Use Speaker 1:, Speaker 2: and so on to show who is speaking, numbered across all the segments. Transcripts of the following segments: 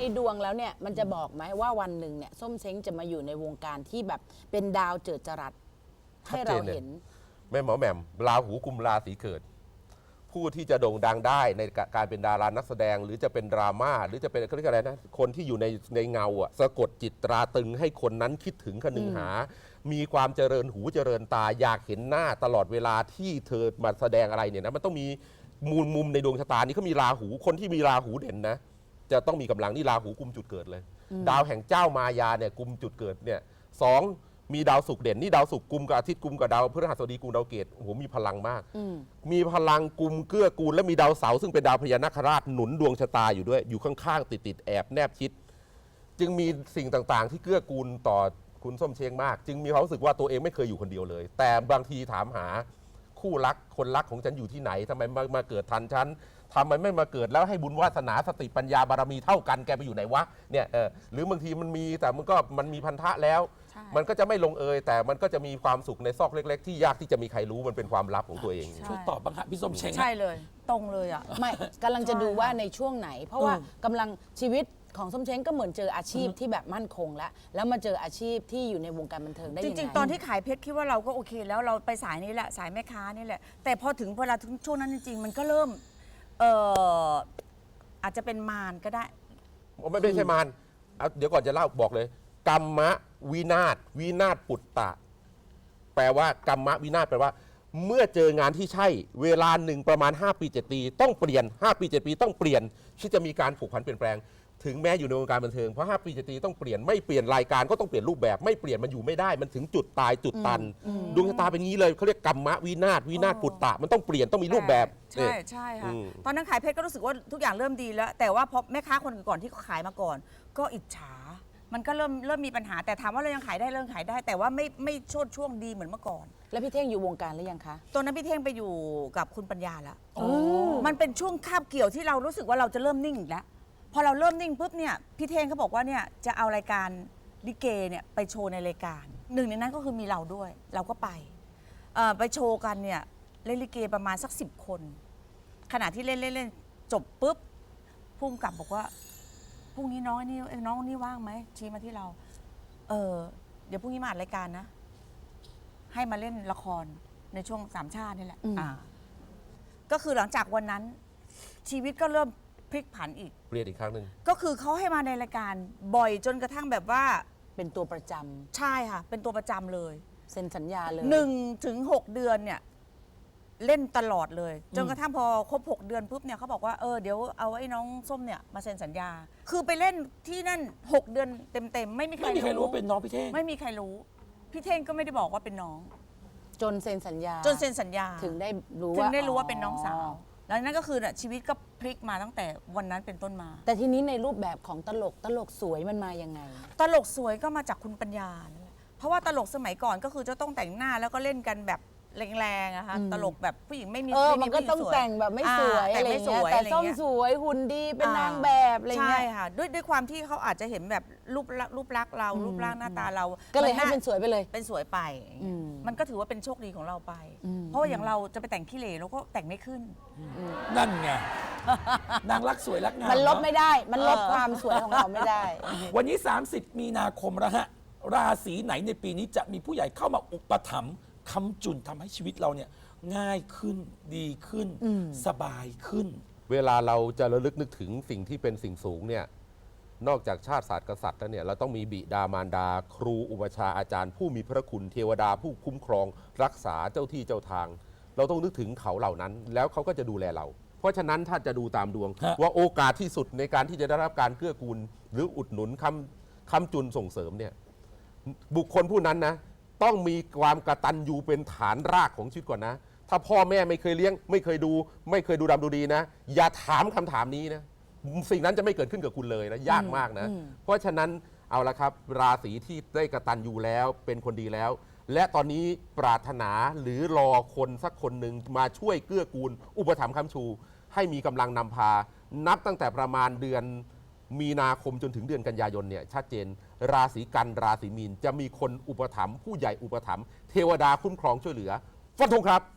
Speaker 1: ดวงแล้วเนี่ยมันจะบอกไหมว่าวันหนึ่งเนี่ยส้มเช้งจะมาอยู่ในวงการที่แบบเป็นดาวเจิดจรัสให้เราเห็น
Speaker 2: แม่หมอแหม่มราหูกุมราศีเกิดผู้ที่จะโด่งดังได้ในการเป็นดารานักแสดงหรือจะเป็นดราม่าหรือจะเป็นเขาเรียกอะไรนะคนที่อยู่ในเงาอะสะกดจิตตราตึงให้คนนั้นคิดถึงคนึงหามีความเจริญหูเจริญตาอยากเห็นหน้าตลอดเวลาที่เธอมาแสดงอะไรเนี่ยนะมันต้องมีมุมในดวงชะตานี้เขามีราหูคนที่มีราหูเด่นนะจะต้องมีกำลังนี่ราหูกุมจุดเกิดเลยดาวแห่งเจ้ามายาเนี่ยกุมจุดเกิดเนี่ยสองมีดาวศุกร์เด่นนี่ดาวศุกร์กุมกับอาทิตย์กุมกับดาวพฤหัสบดีกุมดาวเกตโอ้โหมีพลังมากมีพลังกุมเกื้อกูลและมีดาวเสาร์ซึ่งเป็นดาวพญานาคราชหนุนดวงชะตาอยู่ด้วยอยู่ข้างๆติดแอบแนบชิดจึงมีสิ่งต่างๆที่เกื้อกูลต่อคุณส้มเช้งมากจึงมีความรู้สึกว่าตัวเองไม่เคยอยู่คนเดียวเลยแต่บางทีถามหาคู่รักคนรักของฉันอยู่ที่ไหนทำไมมาเกิดทันฉันทำไมไม่มาเกิดแล้วให้บุญวาสนาสติปัญญาบารมีเท่ากันแกไปอยู่ไหนวะเนี่ยหรือบางทีมันมีแต่มันมีพันธะแล้วมันก็จะไม่ลงเอยแต่มันก็จะมีความสุขในซอกเล็กๆที่ยากที่จะมีใครรู้มันเป็นความลับของตัวเอง
Speaker 3: ช่วยตอบบ้างฮะพี่ส้มเช้ง
Speaker 4: ใช่เลยตรงเลยอ่ะ
Speaker 1: ไม่กำลังจะดูว่าในช่วงไหนเพราะว่ากำลังชีวิตของส้มเช้งก็เหมือนเจออาชีพที่แบบมั่นคงแล้วมาเจออาชีพที่อยู่ในวงการบันเทิงได้ยังไง
Speaker 4: จริงๆตอนที่ขายเพชรคิดว่าเราก็โอเคแล้วเราไปสายนี้แหละสายแม่ค้านี่แหละแต่พอถึงเวลาถึงช่วงนั้นจริงๆมันก็เริ่มอาจจะเป็นมารก็ได้
Speaker 2: ไม่ใช่มารเดี๋ยวก่อนจะเล่าบอกเลยกรรมะวินาศปุตตะแปลว่ากรรมะวินาศแปลว่าเมื่อเจองานที่ใช่เวลาหนึ่งประมาณ5 ปี 7 ปีต้องเปลี่ยน5 ปี 7 ปีต้องเปลี่ยนที่จะมีการผูกพันเปลี่ยนแปลงถึงแม้อยู่ในวงการบันเทิงเพราะ5 ปี 7 ปีต้องเปลี่ยนไม่เปลี่ยนรายการก็ต้องเปลี่ยนรูปแบบไม่เปลี่ยนมันอยู่ไม่ได้มันถึงจุดตายจุดตันดวงชะตาเป็นงี้เลยเขาเรียกกรรมะวินาศปุตตะมันต้องเปลี่ยนต้องมีรูปแบบ
Speaker 4: ใช่ค่ะตอนนั้นขายเพชรก็รู้สึกว่าทุกอย่างเริ่มดีแล้วแต่ว่าพอแม่ค้าคนก่อนที่เขาขายมาก่อนก็อิจฉามันก็เริ่มมีปัญหาแต่ถามว่าเรายังขายได้เริ่มขายได้แต่ว่าไม่โชดช่วงดีเหมือนเมื่อก่อน
Speaker 1: แล้วพี่เท่งอยู่วงการหรือยังคะ
Speaker 4: ตอนนั้นพี่เท่งไปอยู่กับคุณปัญญาแล้วมันเป็นช่วงคาบเกี่ยวที่เรารู้สึกว่าเราจะเริ่มนิ่งอีกแล้วพอเราเริ่มนิ่งปุ๊บเนี่ยพี่เท่งเขาบอกว่าเนี่ยจะเอารายการลิเกเนี่ยไปโชว์ในรายการหนึ่งในนั้นก็คือมีเราด้วยเราก็ไปโชว์กันเนี่ยเล่นลิเกประมาณสัก10 คนขณะที่เล่นจบปุ๊บพุ่งกลับบอกว่าพรุ่งนี้น้องนี่ว่างไหมชี้มาที่เราเดี๋ยวพรุ่งนี้มาอัดรายการนะให้มาเล่นละครในช่วง3 ชาตินี่แหละก็คือหลังจากวันนั้นชีวิตก็เริ่มพลิกผันอีก
Speaker 2: เปลี่ยนอีกครั้งหนึ่ง
Speaker 4: ก็คือเขาให้มาในรายการบ่อยจนกระทั่งแบบว่า
Speaker 1: เป็นตัวประจำ
Speaker 4: ใช่ค่ะเป็นตัวประจำเลย
Speaker 1: เซ็นสัญญาเลย
Speaker 4: 1 ถึง 6 เดือนเนี่ยเล่นตลอดเลยจนกระทั่งพอครบ6 เดือนปุ๊บเนี่ยเขาบอกว่าเดี๋ยวเอาไอ้น้องส้มเนี่ยมาเซ็นสัญญาคือไปเล่นที่นั่น6 เดือนเต็มๆไม่มีใคร
Speaker 3: รู้ว่าเป็นน้องพี่เท่ง
Speaker 4: ไม่มีใครรู้พี่เท่งก็ไม่ได้บอกว่าเป็นน้อง
Speaker 1: จนเซ็นสัญญาถึงได้รู้
Speaker 4: ว่าเป็นน้องสาวแล้วนั่นก็คือชีวิตก็พลิกมาตั้งแต่วันนั้นเป็นต้นมา
Speaker 1: แต่ทีนี้ในรูปแบบของตลกสวยมันมายังไง
Speaker 4: ตลกสวยก็มาจากคุณปัญญาเพราะว่าตลกสมัยก่อนก็คือจะต้องแต่งหน้าแล้วก็เล่นกันแบบแรงๆนะคะตลกแบบผู้หญิงไม่มี
Speaker 1: มันก็ต้องแต่งแบบไม่สวยอะไรเงี้ยแต่ส้มสวยหุ่นดีเป็นนางแบบอะไรเงี้ย
Speaker 4: ใช่ค่ะด้วยความที่เขาอาจจะเห็นแบบรูปลักษณ์เรารูปร่างหน้าตาเรา
Speaker 1: ก็เลยให้เป็นสวยไปเลย
Speaker 4: เป็นสวยไปมันก็ถือว่าเป็นโชคดีของเราไปเพราะว่าอย่างเราจะไปแต่งขี้เหร่เราก็แต่งไม่ขึ้น
Speaker 3: นั่นไงนางรักสวยรักงาม
Speaker 1: มันลบไม่ได้มันลบความสวยของเราไม่ได้
Speaker 3: วันนี้30 มีนาคมแล้วฮะราศีไหนในปีนี้จะมีผู้ใหญ่เข้ามาอุปถัมภ์ค้ำจุนทำให้ชีวิตเราเนี่ยง่ายขึ้นดีขึ้นสบายขึ้น
Speaker 2: เวลาเราจะระลึกนึกถึงสิ่งที่เป็นสิ่งสูงเนี่ยนอกจากชาติศาสตร์กษัตริย์แล้วเนี่ยเราต้องมีบิดามารดาครูอุปชาอาจารย์ผู้มีพระคุณเทวดาผู้คุ้มครองรักษาเจ้าที่เจ้าทางเราต้องนึกถึงเขาเหล่านั้นแล้วเขาก็จะดูแลเราเพราะฉะนั้นถ้าจะดูตามดวงว่าโอกาสที่สุดในการที่จะได้รับการเกื้อกูลหรืออุดหนุนค้ำจุนส่งเสริมเนี่ยบุคคลผู้นั้นนะต้องมีความกตัญญูเป็นฐานรากของชีวิตก่อนนะถ้าพ่อแม่ไม่เคยเลี้ยงไม่เคยดูดำดูดีนะอย่าถามคำถามนี้นะสิ่งนั้นจะไม่เกิดขึ้นกับคุณเลยนะยากมากนะเพราะฉะนั้นเอาละครับราศีที่ได้กตัญญูแล้วเป็นคนดีแล้วและตอนนี้ปรารถนาหรือรอคนสักคนหนึ่งมาช่วยเกื้อกูลอุปถัมภ์ค้ำชูให้มีกำลังนำพานับตั้งแต่ประมาณเดือนมีนาคมจนถึงเดือนกันยายนเนี่ยชัดเจนราศีกันราศีมีนจะมีคนอุปถัมภ์ผู้ใหญ่อุปถัมภ์เทวดาคุ้มครองช่วยเหลือฟันธงครับ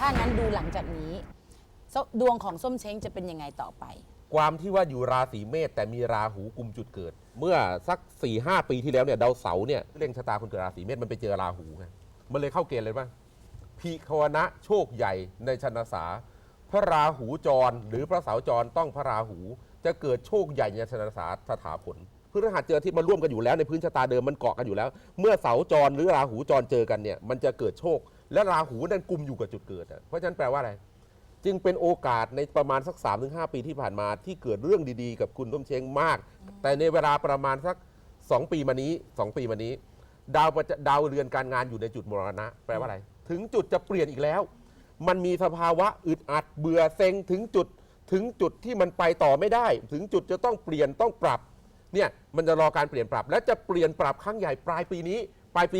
Speaker 1: ถ้างั้นดูหลังจากนี้ดวงของส้มเช้งจะเป็นยังไงต่อไป
Speaker 2: ความที่ว่าอยู่ราศีเมษแต่มีราหูกุมจุดเกิด เมื่อสัก 4-5 ปีที่แล้วเนี่ยดาวเสาร์เนี่ยเร่งชะตาคนเกิดราศีเมษมันไปเจอราหูไงมันเลยเข้าเกณฑ์เลยว่าพิควนะโชคใหญ่ในชนสาพระราหูจรหรือพระเสาจรต้องพระราหูจะเกิดโชคใหญ่ในชนสาสถาผลพฤหัสเจออาทิตย์มาร่วมกันอยู่แล้วในพื้นชะตาเดิมมันเกาะกันอยู่แล้ว เมื่อเสาจรหรือราหูจรเจอกันเนี่ยมันจะเกิดโชคและราหูนั่นกุมอยู่กับจุดเกิดเพราะฉะนั้นแปลว่าอะไรจึงเป็นโอกาสในประมาณสัก 3-5 ปีที่ผ่านมาที่เกิดเรื่องดีๆกับคุณส้มเช้งมากแต่ในเวลาประมาณสัก2 ปีมานี้ดาวเรือนการงานอยู่ในจุดมรณะแปลว่าอะไรถึงจุดจะเปลี่ยนอีกแล้วมันมีสภาวะอึดอัดเบื่อเซ็งถึงจุดที่มันไปต่อไม่ได้ถึงจุดจะต้องเปลี่ยนต้องปรับเนี่ยมันจะรอการเปลี่ยนปรับและจะเปลี่ยนปรับครั้งใหญ่ปลายปีนี้ปลายปี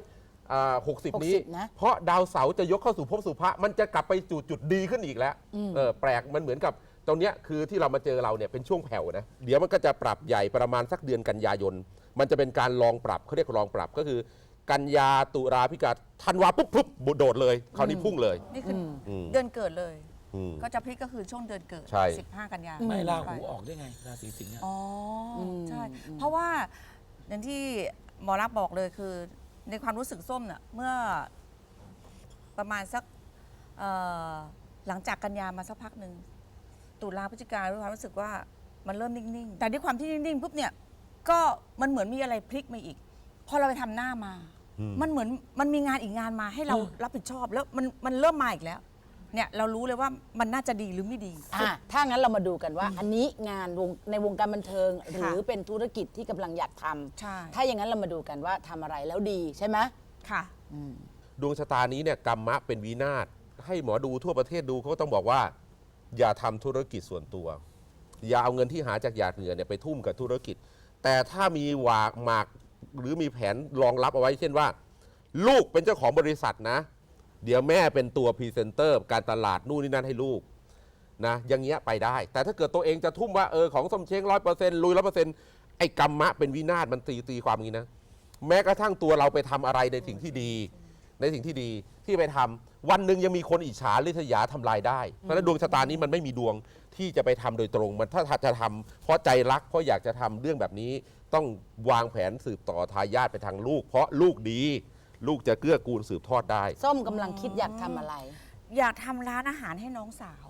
Speaker 2: 260นี้
Speaker 1: นะ
Speaker 2: เพราะดาวเสาร์จะยกเข้าสู่ภพสู่พระมันจะกลับไปสู่จุดดีขึ้นอีกแล้วแปลกมันเหมือนกับตรงเนี้ยคือที่เรามาเจอเราเนี่ยเป็นช่วงแผ่วนะเดี๋ยวมันก็จะปรับใหญ่ประมาณสักเดือนกันยายนมันจะเป็นการลองปรับเขาเรียกลองปรับก็คือกันยาตุลาพฤศจิกาธันวาปุ๊บโดดเลยคราวนี้พุ่งเลย
Speaker 4: นี่คือเดือนเกิดเลย ก็จะพลิกก็คือช่วงเดือนเกิด
Speaker 2: ใช่
Speaker 4: 15 กันยา
Speaker 3: ไม่ราหูออกได้ไงราศีสิงห์อะ
Speaker 4: อ๋ออใช่ เพราะว่าอย่างที่หมอรักษณ์บอกเลยคือในความรู้สึกส้มเนี่ยเมื่อประมาณสักหลังจากกันยามาสักพักหนึ่งตุลาพฤศจิกาด้วยความรู้สึกว่ามันเริ่มนิ่งๆแต่ด้วยความที่นิ่งๆปุ๊บเนี่ยก็มันเหมือนมีอะไรพลิกมาอีกพอเราไปทำหน้ามา มันเหมือนมันมีงานอีกงานมาให้เรารับผิดชอบแล้วมันเริ่มมาอีกแล้วเนี่ยเรารู้เลยว่ามันน่าจะดีหรือไม่ดี
Speaker 1: ถ้างั้นเรามาดูกันว่า อันนี้งานในวงการบันเทิง หรือเป็นธุรกิจที่กำลังอยากทำ
Speaker 4: ใช่
Speaker 1: ถ้าอย่างนั้นเรามาดูกันว่าทำอะไรแล้วดีใช่ไหม
Speaker 4: ค่ะ
Speaker 2: ดวงชะตานี้เนี่ยกรรมะเป็นวินาศให้หมอดูทั่วประเทศดูเขาก็ต้องบอกว่าอย่าทำธุรกิจส่วนตัวอย่าเอาเงินที่หาจากหยาดเหงื่อเนี่ยไปทุ่มกับธุรกิจแต่ถ้ามีหมากหรือมีแผนรองรับเอาไว้เช่นว่าลูกเป็นเจ้าของบริษัทนะเดี๋ยวแม่เป็นตัวพรีเซนเตอร์การตลาดนู่นนี่นั่นให้ลูกนะอย่างเงี้ยไปได้แต่ถ้าเกิดตัวเองจะทุ่มว่าของส้มเช้ง100%ลุย100%ไอ้กรรมะเป็นวินาศมันตีความงี้นะแม้กระทั่งตัวเราไปทำอะไรในสิ่งที่ดีที่ไปทำวันหนึ่งยังมีคนอิจฉาริษยาทำลายได้เพราะฉะนั้นดวงชะตานี้มันไม่มีดวงที่จะไปทำโดยตรงมันถ้าจะทำเพราะใจรักเพราะอยากจะทำเรื่องแบบนี้ต้องวางแผนสืบต่อทายาทไปทางลูกเพราะลูกดีลูกจะเกื้อกูลสืบทอดได้
Speaker 1: ส้มกำลังคิดอยากทำอะไร
Speaker 4: อยากทำร้านอาหารให้น้องสาว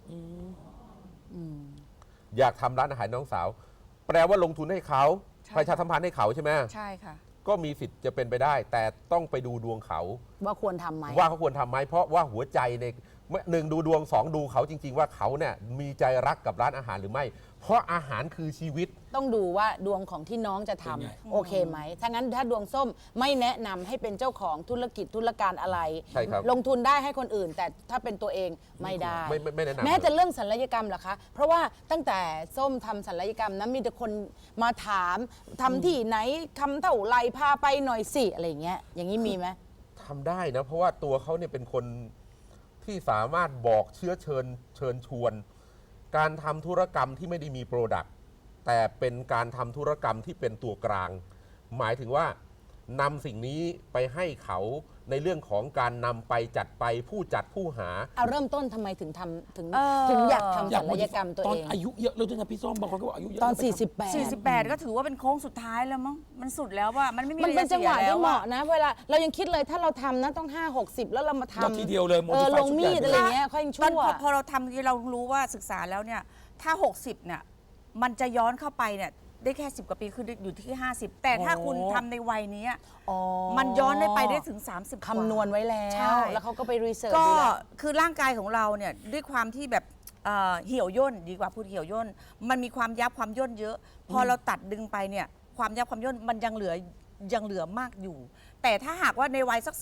Speaker 2: อยากทำร้านอาหารน้องสาวแปลว่าลงทุนให้เขา
Speaker 4: ใช่
Speaker 2: ประชาสัมพันธ์ให้เขาใช่ไหม
Speaker 4: ใช่ค่ะ
Speaker 2: ก็มีสิทธิ์จะเป็นไปได้ แต่ต้องไปดูดวงเขา
Speaker 1: ว่าควรทำไหม
Speaker 2: ว่าเขาควรทำไหมเพราะว่าหัวใจในหนึ่งดูดวงสองดูเขาจริง ๆ ว่าเขาเนี่ยมีใจรักกับร้านอาหารหรือไม่ เพราะอาหารคือชีวิต
Speaker 1: ต้องดูว่าดวงของที่น้องจะทำโอเคไหมถ้างั้นถ้าดวงส้มไม่แนะนำให้เป็นเจ้าของธุรกิจธุรการอะไร
Speaker 2: ใช่ครับ
Speaker 1: ลงทุนได้ให้คนอื่น แต่ถ้าเป็นตัวเองไม่ได้
Speaker 2: ไม่แนะนำ
Speaker 1: แม้แต่เรื่องศัลยกรรมเหรอคะ เพราะว่าตั้งแต่ส้มทำศัลยกรรมนะมีแต่คนมาถามทำที่ไหนทำเท่าไรพาไปหน่อยสิอะไรอย่างเงี้ยอย่างนี้มีไหม
Speaker 2: ทำได้นะเพราะว่าตัวเขาเนี่ยเป็นคนที่สามารถบอกเชิญชวน การทำธุรกรรมที่ไม่ได้มีโปรดักต์แต่เป็นการทำธุรกรรมที่เป็นตัวกลาง หมายถึงว่านำสิ่งนี้ไปให้เขาในเรื่องของการนำไปจัดไปผู้จัดผู้หา
Speaker 1: เอาเริ่มต้นทำไมถึงทำถึง
Speaker 4: เออ
Speaker 1: ถึงอยากทำ
Speaker 3: อยา
Speaker 1: ศั
Speaker 3: ก
Speaker 1: ลยกรรมตัว
Speaker 3: ตอน
Speaker 1: เอง
Speaker 3: อายุเยอะแล้วด้วยนะพี่ส้มบางคนก็บอกอายุเยอะ
Speaker 1: ตอน
Speaker 3: แล้วไปทำ
Speaker 1: 48
Speaker 4: 48 ก็ถือว่าเป็นโค้งสุดท้ายแล้วมั้งมันสุดแล้วว่ามันไม่มี
Speaker 1: มันเป็นจังหวะ
Speaker 4: อไรจ
Speaker 1: ที่
Speaker 4: สีย
Speaker 1: เห
Speaker 4: แล้ว
Speaker 1: มาะนะเวลาเรายังคิดเลยถ้าเราทำนะต้อง5-60 แล้วเรามาท
Speaker 3: แล้วทีเดียวเลย
Speaker 1: ำ
Speaker 3: modify
Speaker 1: ลงมีด
Speaker 3: ชุดใหญ่
Speaker 1: อะไรเงี้ยค่อยยัง
Speaker 4: ตอ
Speaker 1: ชั่
Speaker 4: น
Speaker 1: ว
Speaker 4: พอเราทำที่เรารู้ว่าศึกษาแล้วเนี่ยถ้า 60เนี่ยมันจะย้อนเข้าไปเนี่ยได้แค่10 กว่าปีคืออยู่ที่ 50 แต่ถ้าคุณทำในวัยนี้
Speaker 1: อ๋อ
Speaker 4: มันย้อนไปได้ถึง 30 กว่า
Speaker 1: คำนวณไว้แล้
Speaker 4: ใช่
Speaker 1: ว แล้วเขาก็ไปรีเสิร์ช
Speaker 4: ก็
Speaker 1: ดูแลว
Speaker 4: คือร่างกายของเราเนี่ยด้วยความที่แบบเหี่ยวย่นดีกว่าพูดเหี่ยวย่นมันมีความยับความย่นเยอะ พอเราตัดดึงไปเนี่ยความยับความย่นมันยังเหลือมากอยู่ แต่ถ้าหากว่าในวัยสัก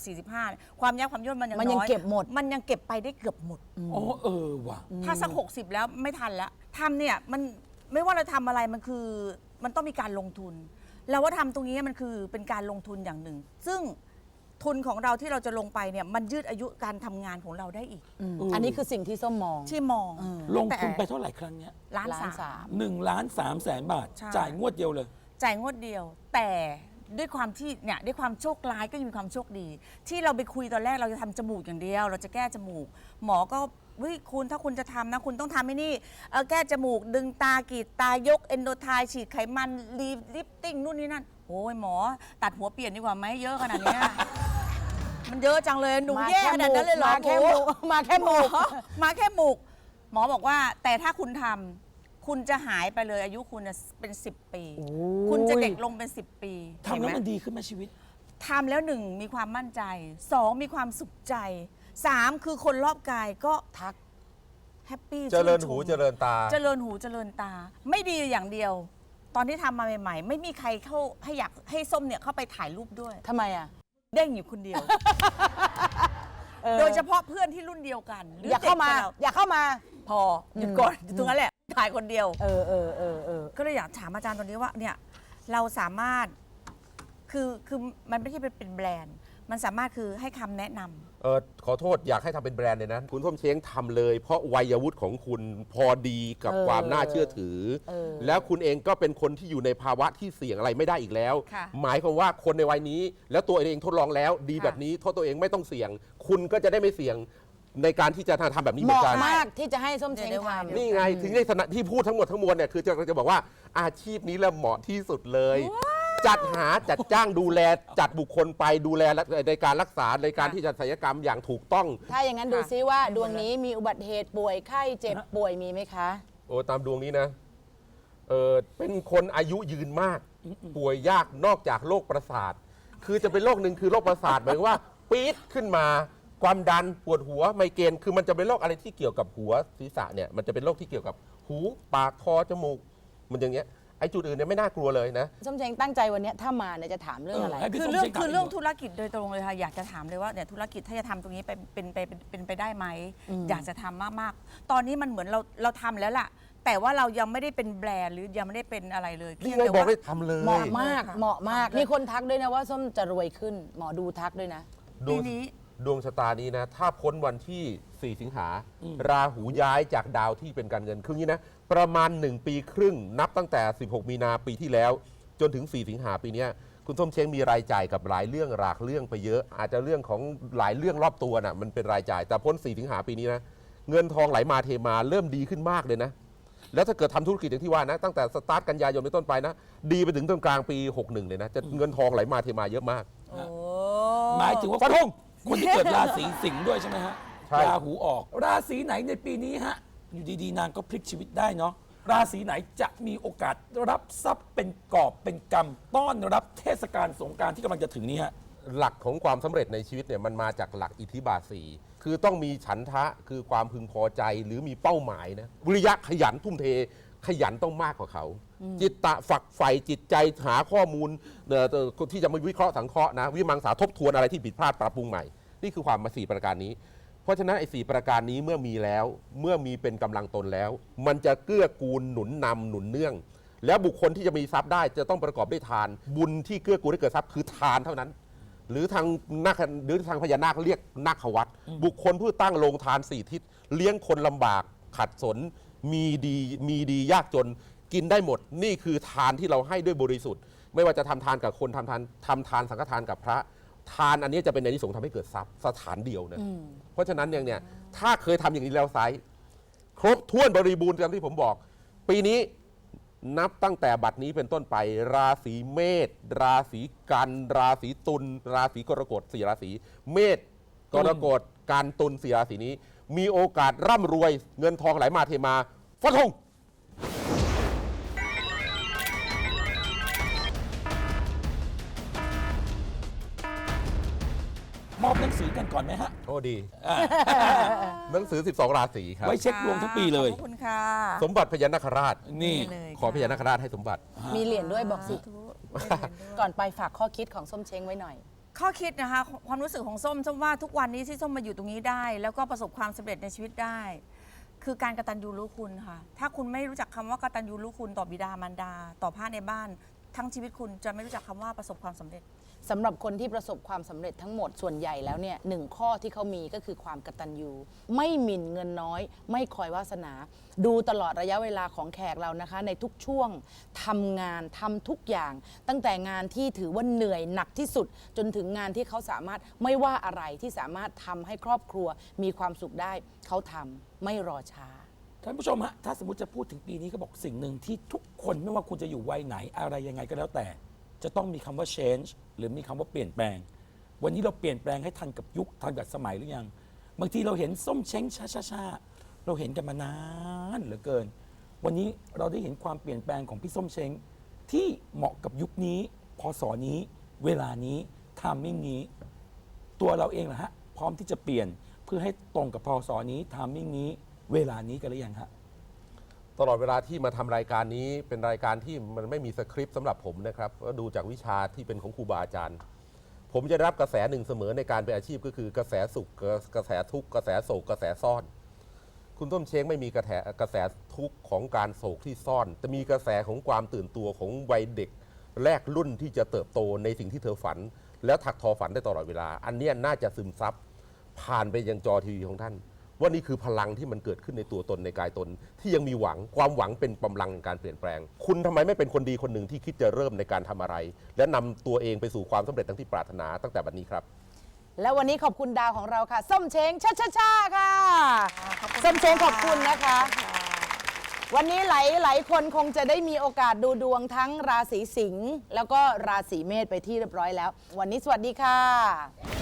Speaker 4: 40-45 ความยับความย่นมันยัง
Speaker 1: มันยัง
Speaker 4: น้อย
Speaker 1: เก็บหมด
Speaker 4: มันยังเก็บไปได้เกือบหมด
Speaker 3: อ๋อว่ะ
Speaker 4: ถ้าสัก 60 แล้วไม่ทันแล้วทำเนี่ยมันไม่ว่าเราทำอะไรมันคือมันต้องมีการลงทุนเราว่าทำตรงนี้มันคือเป็นการลงทุนอย่างหนึ่ง ซึ่งทุนของเราที่เราจะลงไปเนี่ยมันยืดอายุการทำงานของเราได้อีก
Speaker 1: อันนี้คือสิ่งที่ส้มมอง
Speaker 4: ที่มอง
Speaker 3: ลงทุนไปเท่าไหร่ครั้งเนี้ย
Speaker 4: ล้าน
Speaker 1: ล้าน
Speaker 4: สา
Speaker 1: สาม ม
Speaker 3: 1.3 ล้านบาท
Speaker 4: ใช่
Speaker 3: จ่ายงวดเดียวเลย
Speaker 4: จ่ายงวดเดียว แต่ด้วยความที่เนี่ยด้วยความโชคร้ายก็ยังมีความโชคดี ที่เราไปคุยตอนแรกเราจะทำจมูกอย่างเดียว เราจะแก้จมูก หมอก็เฮ้ยคุณถ้าคุณจะทำนะคุณต้องทำให้นี่แก้จมูกดึงตากรีดตายกเอนโดไทฉีดไขมันลิฟติ้งนู่นนี่นั่นโอ้ยหมอตัดหัวเปลี่ยนดีกว่าไหมเยอะขนาดเนี้ยมันเยอะจังเลยหนูแย่ขนาดนั้นเลยเหรอ
Speaker 1: มาแค่หมูมาแค่หมู
Speaker 4: มาแค่หมูกหมอบอกว่าแต่ถ้าคุณทำคุณจะหายไปเลยอายุคุณน่ะเป็น 10 ปี คุณจะเด็กลงเป็น 10 ปี
Speaker 3: ทำแล้ว
Speaker 4: เห็ไห
Speaker 3: มันดีขึ้นไหมชีวิต
Speaker 4: ทำแล้ว1มีความมั่นใจ 2มีความสุขใจ 3คือคนรอบกายก็ทักแฮปปี้
Speaker 2: เจริญหูเจริญตา
Speaker 4: เจริญหูเจริญตา ไม่ดีอย่างเดียว ตอนที่ทำมาใหม่ๆ ไม่มีใครเข้าให้อยากให้ส้มเนี่ยเข้าไปถ่ายรูปด้วย
Speaker 1: ทำไมอ่ะ
Speaker 4: เด้งอยู่คนเดียว โดยเฉพาะเพื่อนที่รุ่นเดียวกันหรื
Speaker 1: อยากเข้ามา
Speaker 4: ด็กกว่ร
Speaker 1: อยากเข้ามา
Speaker 4: พอหยุดก่อนอยู่ตรงนั้นแหละถ่ายคนเดียว
Speaker 1: เออ
Speaker 4: ก็เลยอยากถามอาจารย์ตอนนี้ว่าเนี่ยเราสามารถคือมันไม่ใช่เป็นแบรนด์ มันสามารถคือให้คำแนะนำ
Speaker 2: ขอโทษอยากให้ทำเป็นแบรนด์เลยนะ คุณส้มเช้งทำเลย เพราะวัยวุฒิของคุณพอดีกับความน่าเชื่อถือ แล้วคุณเองก็เป็นคนที่อยู่ในภาวะที่เสี่ยงอะไรไม่ได้อีกแล้ว
Speaker 4: ค่ะ
Speaker 2: หมายความว่าคนในวัยนี้ แล้วตัวเองทดลองแล้ว ดีแบบนี้โทษตัวเองไม่ต้องเสี่ยง คุณก็จะได้ไม่เสี่ยงในการที่จะทำแบบนี้
Speaker 1: เห
Speaker 2: เหมือน
Speaker 1: มาะ
Speaker 2: กัน
Speaker 1: มากที่จะให้ส้มเช้งทำ
Speaker 2: นี่ไงถึงในที่พูดทั้งหมดทั้งมวลเนี่ยคือจะบอกว่าอาชีพนี้แหละเหมาะที่สุดเลย จัดหาจัดจ้างดูแลจัดบุคคลไปดูแลในการรักษาในการที่จะศัลยกรรมอย่างถูกต้อง
Speaker 1: ถ้าอย่างนั้นดูซิว่าดวงนี้มีอุบัติเหตุป่วยไข้เจ็บป่วยมีไหมคะ
Speaker 2: โอ้ตามดวงนี้นะเป็นคนอายุยืนมากป่วยยากนอกจากโรคประสาท คือจะเป็นโรคหนึ่งคือโรคประสาทหมายว่าปี๊ดขึ้นมาความดันปวดหัวไมเกรนคือมันจะเป็นโรคอะไรที่เกี่ยวกับหัวศีรษะเนี่ยมันจะเป็นโรคที่เกี่ยวกับหูปากคอจมูกมันอย่างเงี้ยไอ้จุดอื่นเนี่ยไม่น่ากลัวเลยนะ
Speaker 1: ส้มเช้งตั้งใจวันเนี้ยถ้ามาเนี่ยจะถามเรื่องอะไร
Speaker 3: ให้พี่
Speaker 4: คือ
Speaker 3: ส้ม
Speaker 4: เรื่อง
Speaker 3: เช้งถาม
Speaker 4: คือเรื่อง
Speaker 3: ดีกว่า
Speaker 4: ธุรกิจโดยตรงเลยค่ะอยากจะถามเลยว่าเนี่ยธุรกิจถ้าจะทำตรงนี้เป็นไปได้ไหมอยากจะทำมากๆ ตอนนี้มันเหมือนเราทำแล้วล่ะ แต่ว่าเรายังไม่ได้เป็นแบรนด์หรือยังไม่ได้เป็นอะไรเลย
Speaker 2: นี่
Speaker 4: เพียง
Speaker 2: ไง
Speaker 4: แต่
Speaker 2: บอก
Speaker 4: ว่า
Speaker 2: ให้ทำเลย
Speaker 1: เหมาะมากเหมาะมากมีคนทักด้วยนะว่าส้มจะรวยขึ้น หมอดูทักด้วยนะ
Speaker 2: ด
Speaker 4: ปี
Speaker 2: วง
Speaker 4: นี้
Speaker 2: ดวงชะตานี้นะ ถ้าพ้นวันที่ 4 สิงหา ราหูย้ายจากดาวที่เป็นการเงินครึ่งนี้นะ ประมาณ 1 ปีครึ่ง นับตั้งแต่ 16 มีนาปีที่แล้ว จนถึง 4 สิงหาปีเนี้ยคุณส้มเช้งมีรายจ่ายกับหลายเรื่องหลากเรื่องไปเยอะ อาจจะเรื่องของหลายเรื่องรอบตัวน่ะมันเป็นรายจ่าย แต่พ้น 4 สิงหาปีนี้นะ เงินทองไหลมาเทมาเริ่มดีขึ้นมากเลยนะ แล้วถ้าเกิดทำธุรกิจอย่างที่ว่านะตั้งแต่สตาร์ทกันยายนเป็นต้นไปนะดีไปถึงต้นกลางปี 61 เลยนะจะเงินทองไหลมาเทมาเยอะมาก
Speaker 4: โอ้
Speaker 3: หมายถึงว่า
Speaker 2: ฟันธง
Speaker 3: คนที่เกิดราศีสิงห์ด้วยใช่ไหมฮะ
Speaker 2: ใช่
Speaker 3: ราหูออก ราศีไหนในปีนี้ฮะ อยู่ดีๆนางก็พลิกชีวิตได้เนาะ ราศีไหนจะมีโอกาสรับทรัพย์เป็นกอบเป็นกำต้อนรับเทศกาลสงกรานต์ที่กำลังจะถึงนี้ฮะ
Speaker 2: หลักของความสำเร็จในชีวิตเนี่ยมันมาจากหลักอิทธิบาทสี่คือต้องมีฉันทะคือความพึงพอใจหรือมีเป้าหมายนะวิริยะขยันทุ่มเทขยันต้องมากกว่าเขา จิตตะฝักใฝ่จิตใจหาข้อมูลที่จะมาวิเคราะห์สังเคราะห์นะวิมังสาทบทวนอะไรที่ผิดพลาดปรับปรุงใหม่นี่คือความมา4ประการนี้ เพราะฉะนั้นไอ้4ประการนี้เมื่อมีแล้วเมื่อมีเป็นกำลังตนแล้ว มันจะเกื้อกูลหนุนนำหนุนเนื่อง แล้วบุคคลที่จะมีทรัพย์ได้จะต้องประกอบด้วยทาน บุญที่เกื้อกูลให้เกิดทรัพย์คือทานเท่านั้น หรือทางนาคหรือทางพญานาคเรียกนาควัตรบุคคลผู้ตั้งโรงทาน4ทิศเลี้ยงคนลำบากขัดสนมีดียากจนกินได้หมดนี่คือทานที่เราให้ด้วยบริสุทธิ์ ไม่ว่าจะทำทานกับคนทำทานสังฆทานกับพระทานอันนี้จะเป็นในที่สงส์ทำให้เกิดทรัพย์สถานเดียวนะเพราะฉะนั้นเนี่ยถ้าเคยทำอย่างนี้แล้วไซส์ครบถ้วนบริบูรณ์ตามที่ผมบอก ปีนี้นับตั้งแต่บัดนี้เป็นต้นไปราศีเมษราศีกันราศีตุลราศีกรกฎ4ราศีเมษกรกฎกันตุล4ราศีนี้มีโอกาสร่ำรวยเงินทองไหลมาเทมาฟันธง
Speaker 3: มอบหนังสือกันก่อนไหมฮะ
Speaker 2: โอ้ดี
Speaker 3: อ่า
Speaker 2: หนังสือ 12 ราศีครับ
Speaker 3: ไว้เช็คดวงทั้งปีเลย
Speaker 4: ขอบคุณค่ะ
Speaker 2: สมบัติพญานาคราช
Speaker 3: นี่
Speaker 4: เลย
Speaker 2: ขอพญานาคราชให้สมบัติ
Speaker 1: มีเหรียญด้วยบอกสิ ก่อนไปฝากข้อคิดของส้มเช้งไว้หน่อย
Speaker 4: ข้อคิดนะคะความรู้สึกของส้มว่าทุกวันนี้ที่ส้มมาอยู่ตรงนี้ได้ แล้วก็ประสบความสำเร็จในชีวิตได้ คือการกตัญญูรู้คุณค่ะ ถ้าคุณไม่รู้จักคำว่ากตัญญูรู้คุณต่อบิดามารดา ต่อพระในบ้าน ทั้งชีวิตคุณจะไม่รู้จักคำว่าประสบความสำเร็จ
Speaker 1: สำหรับคนที่ประสบความสำเร็จทั้งหมดส่วนใหญ่แล้วเนี่ยหนึ่งข้อที่เขามีก็คือความกตัญญูไม่หมิ่นเงินน้อย ไม่คอยวาสนา ดูตลอดระยะเวลาของแขกเรานะคะในทุกช่วงทำงานทำทุกอย่าง ตั้งแต่งานที่ถือว่าเหนื่อยหนักที่สุด จนถึงงานที่เขาสามารถไม่ว่าอะไรที่สามารถทำให้ครอบครัวมีความสุขได้เขาทำไม่รอช้า
Speaker 3: ท่านผู้ชมฮะถ้าสมมติจะพูดถึงปีนี้เขาบอกสิ่งหนึ่งที่ทุกคนไม่ว่าคุณจะอยู่วัยไหนอะไรยังไงก็แล้วแต่จะต้องมีคำว่า change หรือมีคำว่าเปลี่ยนแปลง วันนี้เราเปลี่ยนแปลงให้ทันกับยุคทันกับสมัยหรือยังบางทีเราเห็นส้มเช้งช้าๆเราเห็นกันมานานเหลือเกิน วันนี้เราได้เห็นความเปลี่ยนแปลงของพี่ส้มเช้งที่เหมาะกับยุคนี้พศนี้เวลานี้ไทมิ่งนี้ ตัวเราเองล่ะฮะพร้อมที่จะเปลี่ยนเพื่อให้ตรงกับพศนี้ไทมิ่งนี้เวลานี้กันหรือยังฮะ
Speaker 2: ตลอดเวลาที่มาทำรายการนี้เป็นรายการที่มันไม่มีสคริปต์สำหรับผมนะครับก็ดูจากวิชาที่เป็นของครูบาอาจารย์ ผมจะได้รับกระแสหนึ่งเสมอในการเป็นอาชีพก็คือกระแสสุขกระแสทุกข์กระแสโศกกระแสซ่อน คุณต้มเช้งไม่มีกระแสทุกข์ของการโศกที่ซ่อนแต่มีกระแสของความตื่นตัวของวัยเด็กแรกรุ่นที่จะเติบโตในสิ่งที่เธอฝัน แล้วถักทอฝันได้ตลอดเวลา อันเนี้ยน่าจะซึมซับผ่านไปยังจอทีวีของท่านว่านี่คือพลังที่มันเกิดขึ้นในตัวตนในกายตนที่ยังมีหวังความหวังเป็นกำลังในการเปลี่ยนแปลง คุณทำไมไม่เป็นคนดีคนหนึ่งที่คิดจะเริ่มในการทำอะไร และนำตัวเองไปสู่ความสำเร็จทั้งที่ปรารถนาตั้งแต่บัดนี้ครับ
Speaker 1: แล้ววันนี้ขอบคุณดาวของเราค่ะ ส้มเช้งชาค่ะส้มเช้งขอบคุณนะคะ วันนี้หลายคนคงจะได้มีโอกาสดูดวงทั้งราศีสิงห์แล้วก็ราศีเมษไปที่เรียบร้อยแล้ว วันนี้สวัสดีค่ะ